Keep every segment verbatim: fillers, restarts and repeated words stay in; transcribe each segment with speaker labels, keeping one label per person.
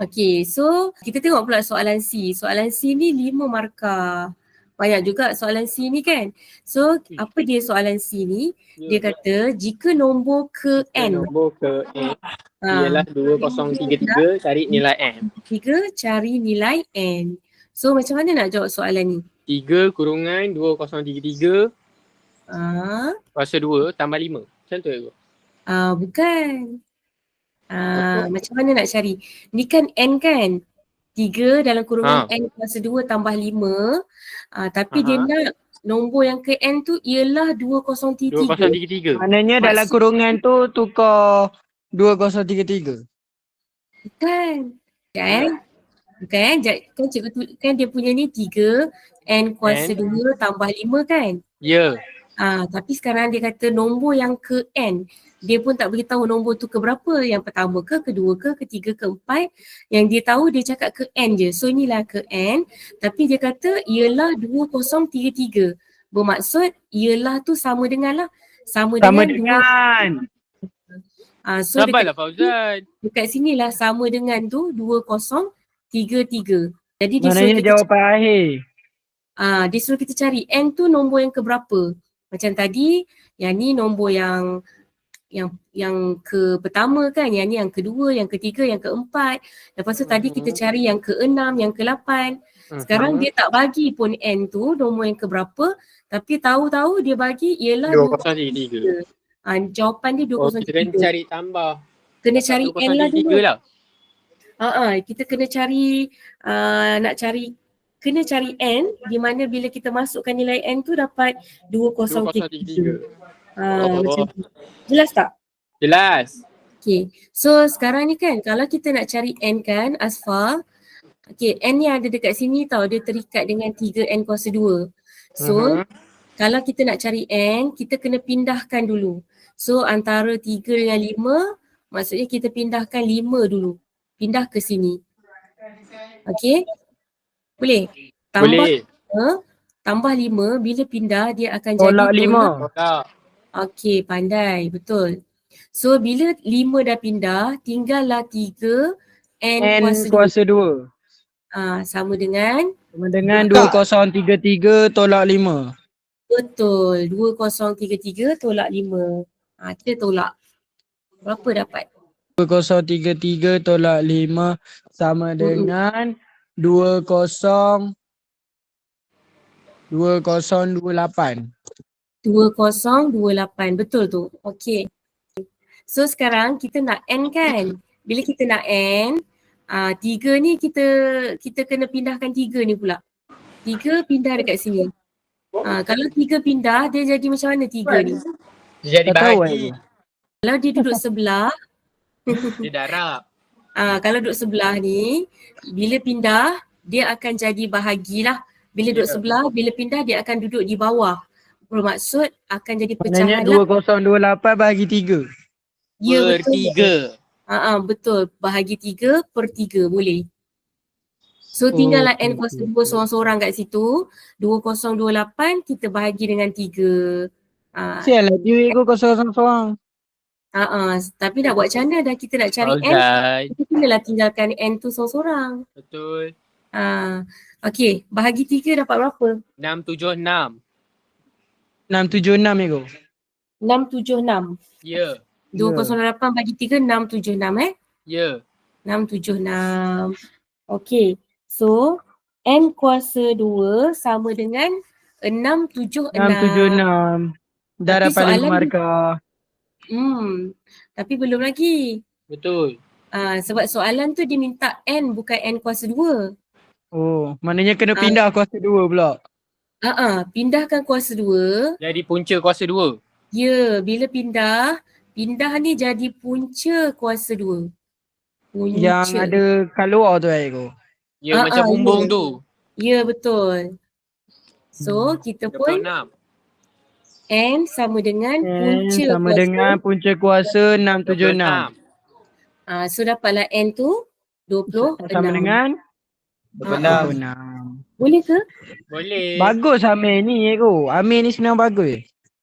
Speaker 1: Okey, so kita tengok pula soalan C. Soalan C ni lima markah. Banyak juga soalan C ni kan. So apa dia soalan C ni? Dia kata jika nombor ke
Speaker 2: Jika
Speaker 1: N.
Speaker 2: nombor ke N
Speaker 1: Ha,
Speaker 2: ialah dua kosong tiga tiga, cari nilai N.
Speaker 1: tiga cari nilai N. So macam mana nak jawab soalan ni?
Speaker 2: tiga kurungan dua kosong tiga tiga
Speaker 1: Ah,
Speaker 2: kuasa dua tambah lima. Macam tu ke?
Speaker 1: ah bukan. Ah, macam mana nak cari? Ni kan N kan? tiga dalam kurungan
Speaker 2: Ha.
Speaker 1: N kuasa dua tambah lima. Ah, tapi dia
Speaker 2: Aha.
Speaker 1: nak nombor yang ke N tu ialah dua kosong tiga
Speaker 2: dua
Speaker 1: tiga.
Speaker 2: kosong tiga tiga.
Speaker 3: Maknanya dalam
Speaker 1: Maksud-
Speaker 3: kurungan tu tukar dua kosong tiga tiga.
Speaker 1: Bukan. Kan? Bukan. Ja- Kan cikgu tu, kan dia punya ni tiga N kuasa
Speaker 2: N.
Speaker 1: dua tambah lima kan?
Speaker 2: Ya.
Speaker 1: Ah, tapi sekarang dia kata nombor yang ke N. Dia pun tak beritahu nombor tu ke berapa. Yang pertama ke, kedua ke, ketiga, keempat. Yang dia tahu dia cakap ke N je. So inilah ke N. Tapi dia kata ialah dua kosong tiga tiga. Bermaksud ialah tu sama dengan lah. Sama,
Speaker 3: Sama
Speaker 1: dengan, dua.
Speaker 3: dengan.
Speaker 1: Ah, so
Speaker 2: Sabarlah
Speaker 1: dekat,
Speaker 2: Fauzan.
Speaker 1: dekat sinilah sama dengan tu dua kosong tiga tiga. Jadi dia suruh
Speaker 3: Maknanya
Speaker 1: kita
Speaker 3: jawapan akhir.
Speaker 1: Ah, dia suruh kita cari N tu nombor yang keberapa. Macam tadi, yang ni nombor yang yang yang ke pertama kan, yang ni yang kedua, yang ketiga, yang keempat. Lepas tu tadi kita cari yang keenam, yang kelapan. Sekarang dia tak bagi pun N tu nombor yang keberapa, tapi tahu-tahu dia bagi ialah
Speaker 2: dua kosong tiga tiga.
Speaker 1: Ah, jawapan dia dua
Speaker 2: Oh,
Speaker 1: kosong
Speaker 2: kita
Speaker 1: tiga
Speaker 2: kena
Speaker 1: tiga.
Speaker 2: cari tambah.
Speaker 1: Kena cari
Speaker 2: dua
Speaker 1: N
Speaker 2: kosong
Speaker 1: lah
Speaker 2: tiga
Speaker 1: dulu.
Speaker 2: tiga lah.
Speaker 1: Ah, ah, kita kena cari uh, nak cari kena cari N di mana bila kita masukkan nilai N tu dapat dua kosong tiga tiga. Ah,
Speaker 2: Oh.
Speaker 1: macam tu. Jelas tak?
Speaker 2: Jelas.
Speaker 1: Okay. So sekarang ni kan kalau kita nak cari N kan Asfar. Okay, N ni ada dekat sini tau. Dia terikat dengan tiga N kuasa dua. So
Speaker 2: Uh-huh.
Speaker 1: kalau kita nak cari N, kita kena pindahkan dulu. So antara tiga dengan lima, maksudnya kita pindahkan lima dulu. Pindah ke sini. Okay. Boleh? Tambah
Speaker 2: Boleh.
Speaker 1: lima, tambah lima, bila pindah dia akan
Speaker 3: Tolak
Speaker 1: jadi
Speaker 3: lima.
Speaker 2: Tak.
Speaker 1: Okey, pandai. Betul. So bila lima dah pindah, tinggallah tiga N,
Speaker 3: N
Speaker 1: kuasa dua.
Speaker 3: kuasa dua.
Speaker 1: Ah, sama dengan
Speaker 3: Sama dengan dua kosong tiga tiga tolak lima.
Speaker 1: betul. dua kosong tiga tiga tolak lima. Ah, kita tolak. Berapa dapat?
Speaker 3: dua kosong tiga tiga tolak lima sama dengan dua kosong dua kosong dua lapan.
Speaker 1: dua kosong dua lapan. Betul tu. Okey. So sekarang kita nak N kan? Bila kita nak N, ah, tiga ni kita kita kena pindahkan tiga ni pula. Tiga pindah dekat sini. Ah, kalau tiga pindah, dia jadi macam mana tiga ni?
Speaker 2: Dia jadi
Speaker 3: Tak tahu
Speaker 2: bahagi.
Speaker 1: Kalau dia duduk sebelah,
Speaker 2: Dia darab.
Speaker 1: ah, kalau duduk sebelah ni, bila pindah, dia akan jadi bahagilah. Bila duduk
Speaker 2: Ya.
Speaker 1: sebelah, bila pindah dia akan duduk di bawah. Bermaksud akan jadi
Speaker 3: Maknanya
Speaker 1: pecahan
Speaker 3: dua
Speaker 1: lah.
Speaker 3: kosong dua lapan bahagi tiga.
Speaker 1: Ya
Speaker 2: Per
Speaker 1: betul.
Speaker 2: tiga.
Speaker 1: Ah, ah, betul. Bahagi tiga per tiga boleh. So tinggallah
Speaker 3: Oh,
Speaker 1: N kuasa dua seorang-seorang kat situ. dua kosong dua lapan kita bahagi dengan tiga. Ah,
Speaker 3: Sial lah duit aku kosong kosong seorang.
Speaker 1: ah, ah. Tapi nak buat macam mana dah kita nak cari N,
Speaker 2: Fauzan.
Speaker 1: kita kenalah tinggalkan N tu seorang-seorang.
Speaker 2: Betul.
Speaker 1: Ah, okay, bahagi tiga dapat berapa?
Speaker 2: enam tujuh enam.
Speaker 3: enam tujuh enam aku.
Speaker 1: enam tujuh enam.
Speaker 2: Ya.
Speaker 1: dua kosong lapan bagi tiga, enam tujuh enam eh.
Speaker 2: Ya.
Speaker 1: enam tujuh enam. Okay, so N kuasa dua sama dengan enam tujuh enam.
Speaker 3: enam tujuh enam. Dah
Speaker 1: Tapi
Speaker 3: dapat lima
Speaker 1: soalan-
Speaker 3: markah.
Speaker 1: Hmm, tapi belum lagi.
Speaker 2: Betul.
Speaker 1: Ah, sebab soalan tu dia minta N bukan N kuasa dua.
Speaker 3: Oh, maknanya kena
Speaker 1: Ah.
Speaker 3: pindah kuasa dua pula.
Speaker 1: Ah, ah, pindahkan kuasa dua.
Speaker 2: Jadi punca kuasa dua.
Speaker 1: Ya, bila pindah, pindah ni jadi punca kuasa dua. Punca.
Speaker 3: Yang ada kat luar tu aku.
Speaker 2: Ya,
Speaker 1: Ah,
Speaker 2: macam
Speaker 1: ah,
Speaker 2: bumbung
Speaker 1: ya.
Speaker 2: tu.
Speaker 1: Ya, betul. So, kita
Speaker 2: dua puluh
Speaker 1: pun
Speaker 2: enam.
Speaker 1: N sama dengan
Speaker 3: N
Speaker 1: punca
Speaker 3: sama
Speaker 1: kuasa.
Speaker 3: dengan punca kuasa enam tujuh enam.
Speaker 1: Ah, so dapatlah N tu dua puluh enam.
Speaker 3: Sama dengan
Speaker 2: dua puluh
Speaker 1: Ah,
Speaker 2: enam.
Speaker 3: dua puluh enam.
Speaker 1: Boleh ke?
Speaker 2: Boleh.
Speaker 3: Bagus Amir ni aku. Amir ni sebenarnya bagus.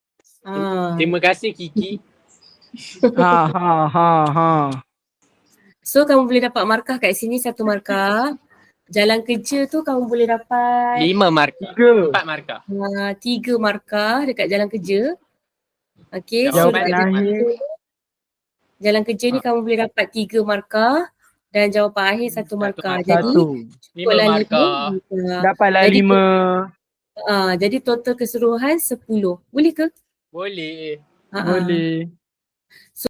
Speaker 1: Ah.
Speaker 2: Terima kasih Kiki.
Speaker 3: Ha ha ha ha.
Speaker 1: So kamu boleh dapat markah kat sini satu markah. Jalan kerja tu kamu boleh dapat
Speaker 2: Lima markah.
Speaker 3: Tiga.
Speaker 2: Empat markah.
Speaker 1: uh, tiga markah dekat jalan kerja. Okay, so
Speaker 2: Jawapan
Speaker 1: dekat
Speaker 3: Jawapan
Speaker 1: jalan
Speaker 3: akhir.
Speaker 1: kerja, jalan kerja ni
Speaker 2: Ha.
Speaker 1: kamu boleh dapat tiga markah dan jawapan akhir satu
Speaker 2: Satu
Speaker 1: markah.
Speaker 2: markah.
Speaker 1: Jadi
Speaker 3: Satu.
Speaker 2: Lima
Speaker 1: cukuplah lima
Speaker 2: markah.
Speaker 1: markah.
Speaker 3: Dapatlah
Speaker 1: Jadi
Speaker 3: lima.
Speaker 1: uh, jadi total keseluruhan sepuluh. Boleh ke?
Speaker 2: Boleh.
Speaker 1: Ha-ha.
Speaker 3: Boleh.